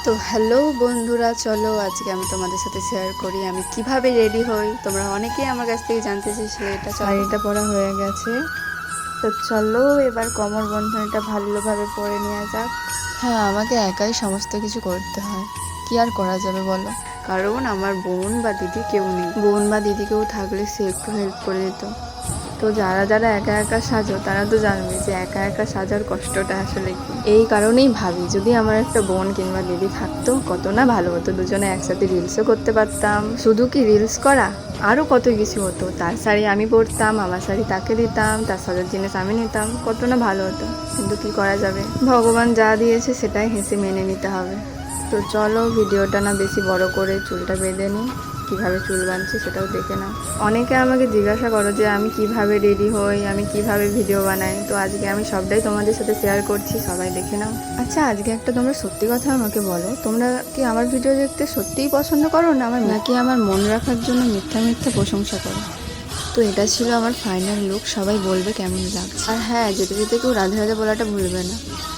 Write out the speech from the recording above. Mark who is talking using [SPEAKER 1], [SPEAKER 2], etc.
[SPEAKER 1] তো হ্যালো বন্ধুরা, চলো আজকে আমি তোমাদের সাথে শেয়ার করি আমি কিভাবে রেডি হই। তোমরা অনেকেই আমার কাছ থেকে জানতে চেয়েছিলে। এটা শাড়িটা পরা হয়ে গেছে, তো চলো এবার কোমর বন্ধনীটা ভালোভাবে পরে নেওয়া যাক। হ্যাঁ, আমাকে একাই সমস্ত কিছু করতে হয়, কি আর করা যাবে বলো। কারণ আমার বোন বা দিদি কেউ নেই। বোন বা দিদি কেউ থাকলে সে একটু হেল্প করে দিত। তো যারা যারা একা একা সাজো তারা তো জানবে যে একা একা সাজার কষ্টটা আসলে কি। এই কারণেই ভাবি যদি আমার একটা বোন কিংবা দিদি থাকতো কত না ভালো হতো, দুজনে একসাথে রিলসও করতে পারতাম। শুধু কি রিলস করা, আরও কত কিছু হতো। তার শাড়ি আমি পরতাম, আমার শাড়ি তাকে দিতাম, তার সাজার জিনিস আমি নিতাম, কত না ভালো হতো। কিন্তু কি করা যাবে, ভগবান যা দিয়েছে সেটাই হেসে মেনে নিতে হবে। তো চলো ভিডিওটা না বেশি বড় করে চুলটা বেঁধে নিই। কীভাবে চুল বাঁধছি সেটাও দেখে নাও। অনেকে আমাকে জিজ্ঞাসা করো যে আমি কিভাবে রেডি হই, আমি কিভাবে ভিডিও বানাই। তো আজকে আমি সবটাই তোমাদের সাথে শেয়ার করছি, সবাই দেখে নাও। আচ্ছা, আজকে একটা তোমরা সত্যি কথা আমাকে বলো, তোমরা কি আমার ভিডিও দেখতে সত্যিই পছন্দ করো না নাকি আমার মন রাখার জন্য মিথ্যা মিথ্যা প্রশংসা করো? তো এটা ছিল আমার ফাইনাল লুক, সবাই বলবে কেমন লাগছে। আর হ্যাঁ, যেতে যেতে কেউ রাধে রাধে বলাটা ভুলবে না।